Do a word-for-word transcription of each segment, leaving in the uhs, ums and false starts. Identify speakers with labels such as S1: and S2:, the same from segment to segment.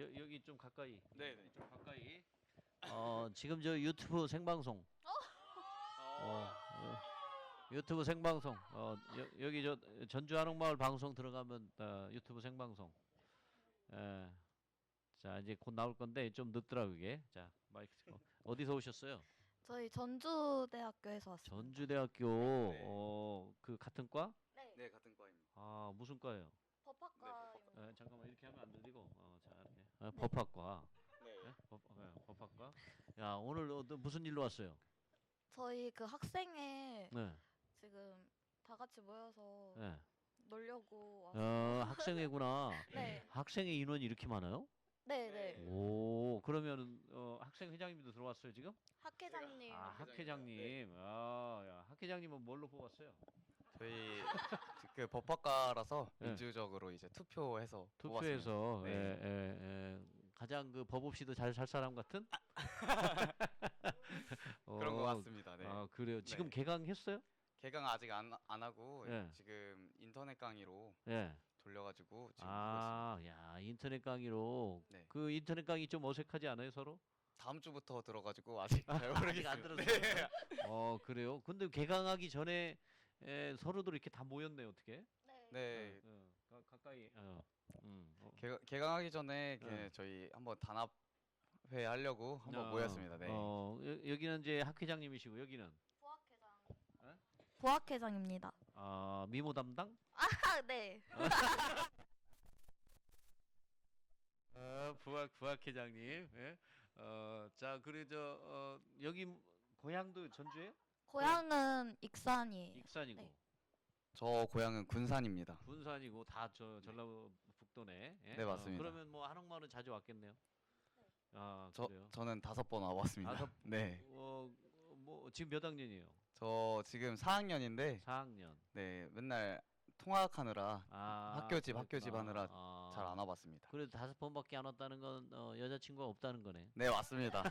S1: 여, 여기 좀 가까이.
S2: 네네.
S1: 좀 가까이. 어 지금 저 유튜브 생방송. 어, 어, 유튜브 생방송. 어 여, 여기 저 전주 한옥마을 방송 들어가면 어, 유튜브 생방송. 예. 자 이제 곧 나올 건데 좀 늦더라 그게. 자 마이크 어, 어디서 오셨어요?
S3: 저희 전주대학교에서 왔습니다.
S1: 전주대학교.
S2: 네.
S1: 어 그 같은 과?
S3: 네.
S2: 네, 같은 과입니다.
S1: 아 무슨 과예요?
S3: 법학과입니다.
S1: 에, 잠깐만 이렇게 하면 안 들리고. 어자 이렇게. 아, 법학과.
S2: 네.
S1: 예? 법, 예, 법학과. 야 오늘 어, 너 무슨 일로 왔어요?
S3: 저희 그 학생회
S1: 네.
S3: 지금 다 같이 모여서
S1: 네.
S3: 놀려고 왔어요.
S1: 어 학생회구나.
S3: 네.
S1: 학생회 인원이 이렇게 많아요?
S3: 네, 네.
S1: 오 그러면 어, 학생 회장님도 들어왔어요 지금?
S3: 학회장님.
S1: 아 학회장님. 아, 야, 학회장님은 뭘로 뽑았어요?
S2: 저희 그 법학과라서
S1: 네.
S2: 민주적으로 이제 투표해서
S1: 투표해서
S2: 뽑았습니다.
S1: 예,
S2: 네.
S1: 예, 예. 가장 그 법 없이도 잘 살 사람 같은? 어,
S2: 그런 것 같습니다. 네.
S1: 아 그래요. 지금
S2: 네.
S1: 개강했어요?
S2: 개강 아직 안, 안 하고
S1: 네.
S2: 지금 인터넷 강의로
S1: 예.
S2: 돌려가지고 지금 하고 있습니다.
S1: 아, 야 인터넷 강의로.
S2: 네.
S1: 그 인터넷 강의 좀 어색하지 않아요 서로?
S2: 다음 주부터 들어가지고 아직 잘 모르겠어요.
S1: 아직 안 들었어요.
S2: 네.
S1: 어 그래요. 근데 개강하기 전에 에, 서로들 이렇게 다 모였네 어떻게?
S3: 네.
S2: 네.
S1: 어, 어, 가, 가까이. 어. 음. 어.
S2: 개, 개강하기 전에 그
S1: 네.
S2: 저희 한번 단합회 하려고 한번
S1: 어,
S2: 모였습니다. 네.
S1: 어, 여, 여기는 이제 학회장님이시고 여기는
S3: 부학회장.
S1: 에?
S3: 부학회장입니다.
S1: 아 미모 담당?
S3: 아, 네.
S1: 어, 부학 부학회장님. 예. 어, 자 그리고 저 어, 여기 고향도 전주예요?
S3: 고향은 익산이에요.
S1: 익산이고
S3: 네.
S2: 저 고향은 군산입니다.
S1: 군산이고 다 저 전라북도네. 예?
S2: 네, 맞습니다.
S1: 어, 그러면 뭐 한옥마을은 자주 왔겠네요. 아
S2: 저
S1: 그래요.
S2: 저는 다섯 번 와봤습니다.
S1: 다섯-
S2: 네.
S1: 어, 뭐 지금 몇 학년이에요?
S2: 저 지금 사 학년인데
S1: 사 학년.
S2: 네 맨날 통학하느라
S1: 아,
S2: 학교집
S1: 그렇구나.
S2: 학교집 하느라
S1: 아.
S2: 잘 안 와봤습니다.
S1: 그래도 다섯 번밖에 안 왔다는 건 어, 여자친구가 없다는 거네.
S2: 네 맞습니다.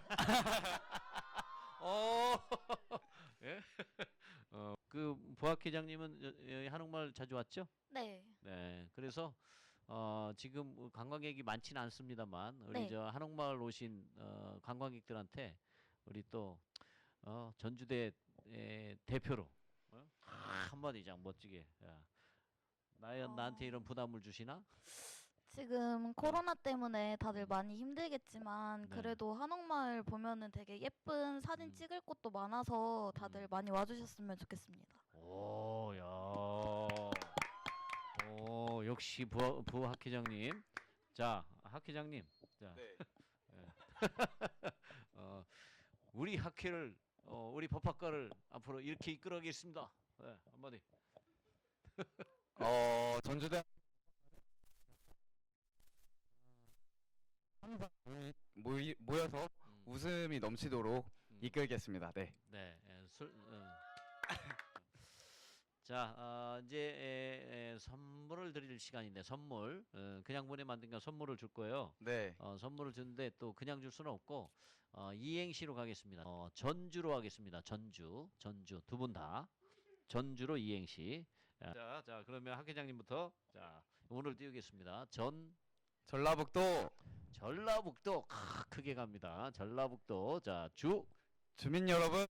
S1: 어, 예? 어, 그 부학회장님은 여- 여기 한옥마을 자주 왔죠?
S3: 네.
S1: 네. 그래서 어, 지금 관광객이 많지는 않습니다만 우리
S3: 네.
S1: 저 한옥마을 오신 어, 관광객들한테 우리 또 어, 전주대 에, 대표로 어? 한마디 장 멋지게. 야. 나연
S3: 어.
S1: 나한테 이런 부담을 주시나?
S3: 지금 코로나 때문에 다들 많이 힘들겠지만
S1: 네.
S3: 그래도 한옥마을 보면은 되게 예쁜 사진
S1: 음.
S3: 찍을 곳도 많아서 다들
S1: 음.
S3: 많이 와주셨으면 좋겠습니다.
S1: 오, 야. 오, 역시 부, 부 학회장님. 자, 학회장님. 자,
S2: 네.
S1: 어, 우리 학회를, 어, 우리 법학과를 앞으로 이렇게 이끌어가겠습니다. 네, 한마디.
S2: 어 전주대 모이, 모여서
S1: 음,
S2: 웃음이 넘치도록
S1: 음.
S2: 이끌겠습니다. 네.
S1: 네, 예, 술. 어. 자, 어, 이제 에, 에, 선물을 드릴 시간인데 선물. 어, 그냥 보내 만든 거 선물을 줄 거예요.
S2: 네.
S1: 어, 선물을 주는데 또 그냥 줄 수는 없고 어, 이행시로 가겠습니다. 어, 전주로 하겠습니다. 전주, 전주 두 분 다 전주로 이행시. 자, 자 그러면 학 회장님부터 자 오늘 띄우겠습니다. 전
S2: 전라북도
S1: 전라북도 크, 크게 갑니다. 전라북도 자주
S2: 주민 여러분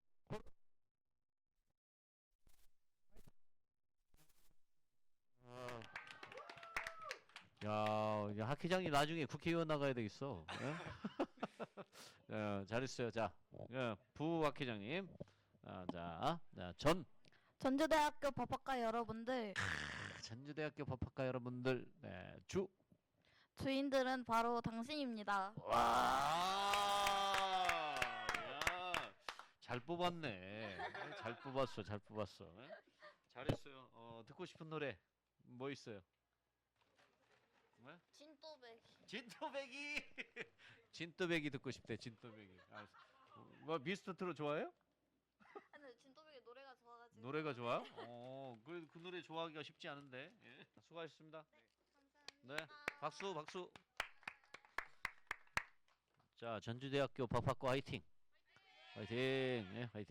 S1: 야, 야, 학 회장님 나중에 국회의원 나가야 되겠어. 예? 어, 잘했어요. 자, 예, 부학 회장님. 아, 자, 자, 전
S3: 전주대학교 법학과 여러분들,
S1: 전주대학교 법학과 여러분들, 네, 주.
S3: 주인들은 바로 당신입니다.
S1: 와, 야, 잘 뽑았네. 잘 뽑았어, 잘 뽑았어. 예? 잘했어요. 어, 듣고 싶은 노래 뭐 있어요? 네?
S3: 진또백.
S1: 진또배기. 진또배기 듣고 싶대. 진또배기. 아, 뭐 미스터트롯 좋아해요?
S3: 근데 진또백의 노래가 좋아가지고.
S1: 노래가 좋아? 어, 그, 그 노래 좋아하기가 쉽지 않은데. 예. 수고하셨습니다. 네, 박수, 박수. 자, 전주대학교 법학과 화이팅. 화이팅. 예, 화이팅.